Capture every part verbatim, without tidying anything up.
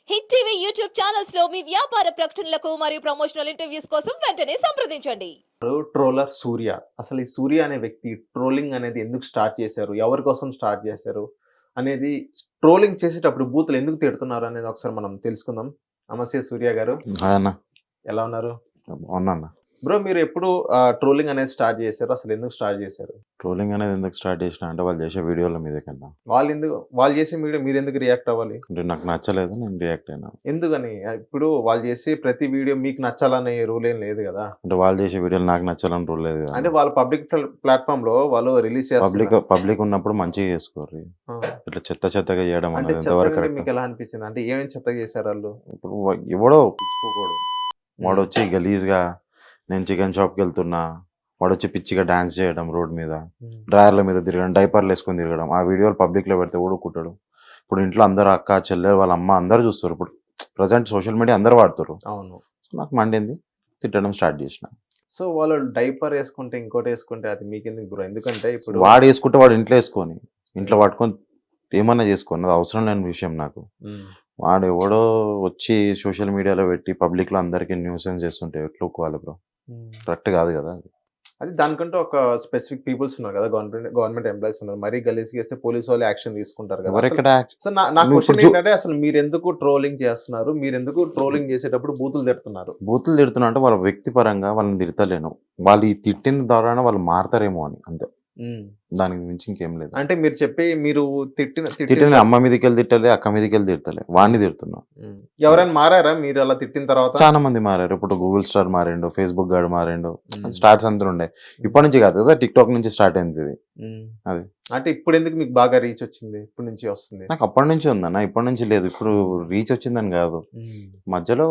Hit TV YouTube channels లో మీ వ్యాపార ప్రకటనలకు మరియు ప్రమోషనల్ ఇంటర్వ్యూస్ కోసం వెంటనే సంప్రదించండి. ట్రోలర్ సూర్య. అసలు ఈ సూర్య అనే వ్యక్తి ట్రోలింగ్ అనేది ఎందుకు స్టార్ట్ చేశారు? ఎవరి కోసం స్టార్ట్ చేశారు? అనేది ట్రోలింగ్ చేసేటప్పుడు బూతులు ఎందుకు తిడుతున్నారు అనేది ఒకసారి మనం తెలుసుకుందాం. నమస్తే సూర్య గారు. హాయ్ అన్న. ఎలా ఉన్నారు? బాగున్నా అన్న. బ్రో మీరు ఎప్పుడు ఆహ్, ట్రోలింగ్ అనేది స్టార్ట్ చేశారు? అసలు ఎందుకు స్టార్ట్ చేశారు? ట్రోలింగ్ అనేది ఎందుకు స్టార్ట్ చేసినా అంటే వాళ్ళు చేసే వీడియోల మీద కన్నా వాళ్ళు ఎందుకు వాళ్ళు చేసే వీడియో మీరు ఎందుకు రియాక్ట్ అవ్వాలి? అంటే నాకు నచ్చలేదు, నేను రియాక్ట్ అయినా. ఎందుకని? ఇప్పుడు వాళ్ళు చేసే ప్రతి వీడియో మీకు నచ్చాలనే రూల్ ఏం లేదు కదా! అంటే వాళ్ళు చేసే వీడియోలు నాకు నచ్చాలని రూల్ లేదు కదా. అంటే వాళ్ళు పబ్లిక్ ప్ల ప్లాట్‌ఫార్మ్‌లో వాళ్ళు రిలీజ్ పబ్లిక్ చేస్తున్నారు. పబ్లిక్ ఉన్నప్పుడు మంచిగా చేసుకోరు. ఆ! ఇట్లా చెత్త చెత్తగా చేయడం అంటే అనేది ఎంతవరకు చెత్తగా కరెక్ట్? మీకు ఎలా అనిపించింది? అంటే ఏమేమి చెత్తగా చేశారు ఆళ్ళు? ఇప్పుడు వ- ఎవడో పిచ్చుకోకూడదు, వాడు వచ్చి గలీజ్గా నేను చికెన్ షాప్కి వెళ్తున్నా, వాడు వచ్చి పిచ్చిగా డాన్స్ చేయడం రోడ్ మీద, హ్మ్. డ్రాయర్ల మీద తిరగడం, డైపర్లు వేసుకొని తిరగడం, ఆ వీడియోలు పబ్లిక్లో పెడితే ఊడుకుంటాడు. ఇప్పుడు ఇంట్లో అందరు అక్క చెల్లె వాళ్ళ అమ్మ అందరూ చూస్తారు. ఇప్పుడు ప్రజెంట్ సోషల్ మీడియా అందరూ వాడుతారు. అవును. సో నాకు మండింది, తిట్టడం స్టార్ట్ చేసిన. సో వాళ్ళు డైపర్ యేసుకుంటే, ఇంకోటేసుకుంటే అది మీకెందుకు బ్రో? ఎందుకంటే ఇప్పుడు వాడు వేసుకుంటే వాడు ఇంట్లో వేసుకొని ఇంట్లో పట్టుకొని ఏమన్నా చేసుకొని, అది అవసరం లేని విషయం నాకు. హ్మ్. వాడు ఎవడో వచ్చి సోషల్ మీడియాలో పెట్టి పబ్లిక్లో అందరికీ న్యూసెన్స్ చేస్తుంటే ఎట్లా ఒప్పుకోవాలి బ్రో? హ్మ్. కరెక్ట్ కాదు కదా అది. అది దానికంటూ ఒక స్పెసిఫిక్ పీపుల్స్ ఉన్నారు కదా! గవర్నమెంట్ గవర్నమెంట్ ఎంప్లాయీస్ ఉన్నారు. మరీ గలీజ్‌గా చేస్తే పోలీస్ వాళ్ళు యాక్షన్ తీసుకుంటారు కదా! అసలు ఎవరెక్కడ యాక్ట్- సో నా నా నువ్వు ఇప్పుడు క్వెషన్ చూ- ఏంటంటే అసలు మీరెందుకు ట్రోలింగ్ చేస్తున్నారు? మీరెందుకు ట్రోలింగ్ చేసేటప్పుడు బూతులు తిడుతున్నారు? బూతులు తిడుతున్నా అంటే వాళ్ళ వ్యక్తిపరంగా వాళ్ళని తిడతలేను, వాళ్ళు ఈ తిట్టిన ద్వారా వాళ్ళు మారతారేమో అని అంతే. హ్మ్. దానికి మించి ఇంకేం లేదు. అంటే మీరు చెప్పి మీరు తిట్టిన తిట్టిన తిట్టిన అమ్మ మీదకి వెళ్ళి తిట్టలే, అక్క మీదకి వెళ్ళి తిడతలే, వాడిని తిడుతున్నా. హ్మ్. ఎవరైనా మారారా మీరు అలా తిట్టిన తర్వాత? చాలా మంది మారారు. ఇప్పుడు గూగుల్ స్టార్ మారిండు, ఫేస్బుక్ గాడు మారిండు, హ్మ్. స్టార్ట్స్ అందరూ ఉండే. ఇప్పటి నుంచి కాదు కదా, టిక్ టాక్ నుంచి స్టార్ట్ అయింది ఇది. హ్మ్. అది. అంటే ఇప్పుడెందుకు మీకు బాగా రీచ్ వచ్చింది? ఇప్పటి నుంచి వస్తుంది? నాకు అప్పటి నుంచి ఉందన్న, ఇప్పటి నుంచి లేదు. ఇప్పుడు రీచ్ వచ్చిందని కాదు, హ్మ్. మధ్యలో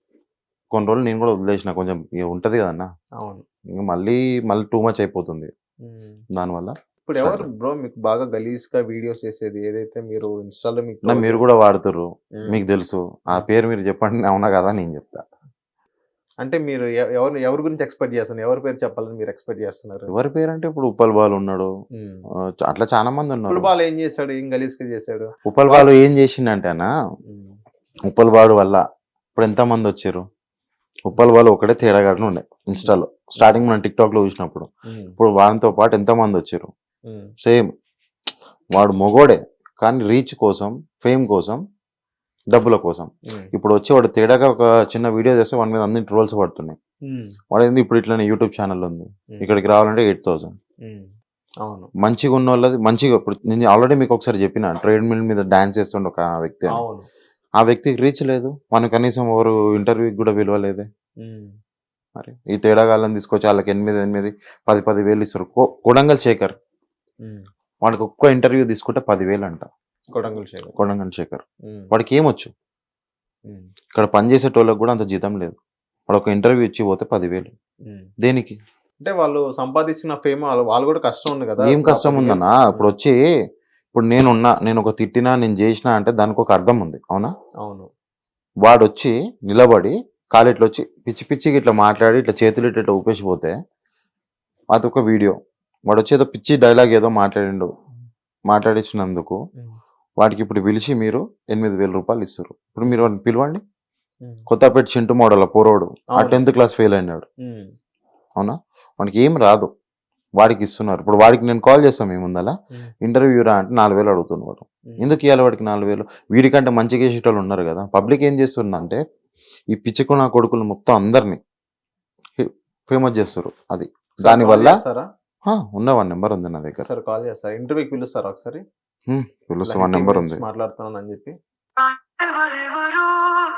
కొన్ని రోజులు నేను కూడా వదిలేసిన, కొంచెం ఇక ఉంటది కదన్న, అవును. ఇంక మళ్ళీ మళ్ళీ టూ మచ్ అయిపోతుంది హ్మ్. దానివల్ల. ఇప్పుడు ఎవరు బ్రో మీకు బాగా గలీజ్‌గా వీడియోస్ చేసేది? ఏదైతే మీరు ఇన్‌స్టా‌లో మీకు నా ట్రోల్ మీరు చేసి కూడా వాడుతుర్రు, హ్మ్. మీకు తెలుసు. ఆ పేరు మీరు చెప్పండి, అవునా కదా నేను చెప్తా. అంటే మీరు ఎ ఎవరు ఎవరి గురించి ఎక్స్‌పెక్ట్ చేస్తున్నారు? ఎవరి పేరు చెప్పాలని మీరు ఎక్స్‌పెక్ట్ చేస్తున్నారు? ఎవరి పేరు అంటే ఇప్పుడు ఉప్పల్ బాలు ఉన్నాడు, హ్మ్. ఆ, చ- అట్లా చాలా మంది ఇప్పుడు ఉన్నారు. బాలు ఏం చేశాడు? ఏం గలీజ్‌గా చేశాడు? ఉప్పల్ బాలు ఏం చేసిండంటే అన్న, హ్మ్. ఉప్పల్ బాలు వల్ల ఇప్పుడు ఎంత మంది వచ్చారు. ఉప్పల్ బాలు ఒకటే తేడాగాడు ఉండే ఇన్స్టాలో స్టార్టింగ్ మనం టిక్ టాక్ లో చూసినప్పుడు. హ్మ్. ఇప్పుడు వాడితో పాటు ఎంత మంది వచ్చారు. హ్మ్. సేమ్ వాడు మొగోడే, కానీ రీచ్ కోసం, ఫేమ్ కోసం, డబ్బుల కోసం. హ్మ్. ఇప్పుడు వచ్చి వాడు తేడాగా ఒక చిన్న వీడియో చేస్తే వాడి మీద అన్ని ట్రోల్స్ పడుతున్నాయి. హ్మ్. వాడు ఏంది ఇప్పుడు ఇట్లనే యూట్యూబ్ ఛానల్ ఉంది, హ్మ్. ఇక్కడికి రావాలంటే ఎయిట్ థౌసండ్. హ్మ్. అవును. మంచిగా ఉన్న వాళ్ళది మంచిగా, ఇప్పుడు నేను ఆల్రెడీ మీకు ఒకసారి చెప్పిన, ట్రేడ్ మిల్ మీద డాన్స్ చేస్తుండే ఒక వ్యక్తి అని. అవును. ఆ వ్యక్తికి రీచ్ లేదు, మనకు కనీసం ఎవరు ఇంటర్వ్యూకి కూడా విలువలేదే. హ్మ్. మరి ఈ తేడాగాళ్ళని తీసుకొచ్చి వాళ్ళకి ఎనిమిది ఎనిమిది పది పది వేలు ఇస్తారు. కో- కొడంగల్ శేఖర్, హ్మ్. వాడికి ఒక్క ఇంటర్వ్యూ తీసుకుంటే పదివేలు అంట. కొడంగల్ శేఖర్. కొడంగల్ శేఖర్ హ్మ్. వాడికి ఏమొచ్చు, హ్మ్. ఇక్కడ పనిచేసేటోళ్ళకి కూడా అంత జీతం లేదు. వాడు ఒక ఇంటర్వ్యూ ఇచ్చి పోతే పదివేలు హ్మ్. దేనికి? అంటే వాళ్ళు సంపాదించిన ఫేమ్ వాళ్ళు వాళ్ళు కూడా కష్టం ఉంది కదా! ఏం ఇప్పుడు ఆ కష్టం పది వేలు ఉందన్నా? ఇప్పుడు వచ్చి ఇప్పుడు నేనున్నా, నేను ఒక తిట్టినా, నేను చేసినా అంటే దానికి ఒక అర్థం ఉంది, అవునా? అవును. వాడు వచ్చి నిలబడి కాలు ఇట్లా వచ్చి పిచ్చి పిచ్చిగా ఇట్లా మాట్లాడి ఇట్లా చేతులు ఇట్లా ఇట్లా ఊపేసిపోతే అదొక వీడియో. వాడు వచ్చి ఏదో పిచ్చి డైలాగ్ ఏదో మాట్లాడిండు, మాట్లాడించినందుకు హ్మ్. వాడికి ఇప్పుడు పిలిచి మీరు ఎనిమిది వేల రూపాయలు ఇస్తారు. ఇప్పుడు మీరు వాడిని పిలవండి. హ్మ్. కొత్తపేట చింటు మోడల్ పోరోడు ఆ అవును. టెన్త్ క్లాస్ ఫెయిల్ అయినాడు, హ్మ్. అవునా? వాడికి ఏం రాదు, వాడికి ఇస్తున్నారు. ఇప్పుడు వాడికి నేను కాల్ చేస్తాను మీ ముందల, హ్మ్. ఇంటర్వ్యూ రా అంటే నాలుగు వేలు అడుగుతున్నాడు. హ్మ్. ఎందుకు ఇవ్వాలి వాడికి నాలుగు వేలు? వీడికంటే మంచిగా చేసేటోళ్ళు ఉన్నారు కదా. పబ్లిక్ ఏం చేస్తుందంటే ఈ పిచ్చికు నా కొడుకులు మొత్తం అందరినీ ఫేమస్ చేస్తారు. అది ఒకసారి కాల్ దానివల్ల చేస్తారా? ఉన్న వన్ నెంబర్ ఉంది నా దగ్గర. ఒకసారి కాల్ చేస్తారా? ఇంటర్వ్యూకి పిలుస్తారా ఒకసారి? హ్మ్, ఇలా పిలుస్తా, హిట్ వన్ టీవీ నెంబర్ నుంచి ఉంది. మాట్లాడుతున్నానని చెప్పి. ఎవరెవరో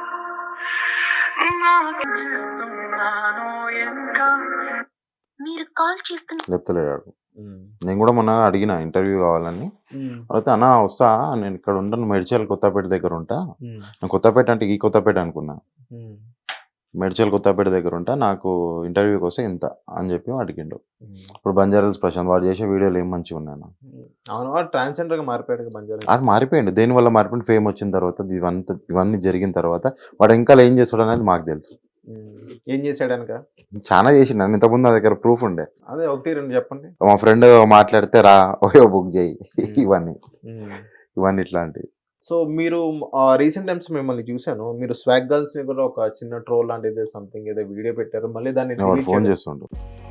నాకు చేస్తున్నానో ఎంత మీరు కాల్ చేస్తున్న చెప్తలేడు. హ్మ్. నేను కూడా మొన్న అడిగిన ఇంటర్వ్యూ కావాలని, హ్మ్. అయితే అన్న వస్తా, నేను ఇక్కడ ఉంటాను, మెడ్చల్ కొత్తపేట దగ్గర ఉంటా. హ్మ్. నేను కొత్తపేట అంటే ఈ కొత్తపేట అనుకున్నా, హ్మ్. మెడ్చల్ కొత్తపేట దగ్గర ఉంటా, నాకు ఇంటర్వ్యూకి వస్తే ఇంత అని చెప్పి అడిగిండు. హ్మ్. ఇప్పుడు బంజారాల్స్ ప్రశాంత్ వాడు చేసే వీడియోలు ఏం మంచిగా ఉన్నాయి. హ్మ్. అవును. వాడు ట్రాన్స్‌జెండర్‌గా మారిపోయాడు కదా బంజారా ఆడు మారిపోయిండు, దేనివల్ల మారిపోయిండు? ఫేమ్ వచ్చిన తర్వాత, ఇవంతా ఇవన్నీ జరిగిన తర్వాత వాడు ఇంకా ఏం చేస్తాడు అనేది మాకు తెలుసు. హ్మ్. ఏం చేశాడనక? చాలా చేసిండు, నన్ను ఇంతకుముందు నా దగ్గర ప్రూఫ్ ఉండే. అదే ఒకటి, రెండు చెప్పండి. మా ఫ్రెండ్ మాట్లాడితే రా ఓయో బుక్ చేయి హ్మ్. ఇవన్నీ హ్మ్. ఇవన్నీ ఇట్లాంటివి. సో మీరు రీసెంట్ టైమ్స్ మిమ్మల్ని చూసాను. మీరు స్వాగ్ గర్ల్స్ ని కూడా ఒక చిన్న ట్రోల్ లాంటిది సంథింగ్ ఏదో వీడియో పెట్టారు. మళ్ళీ దాన్ని వాడు delete ఫోన్ చేయడం. చేస్తుండు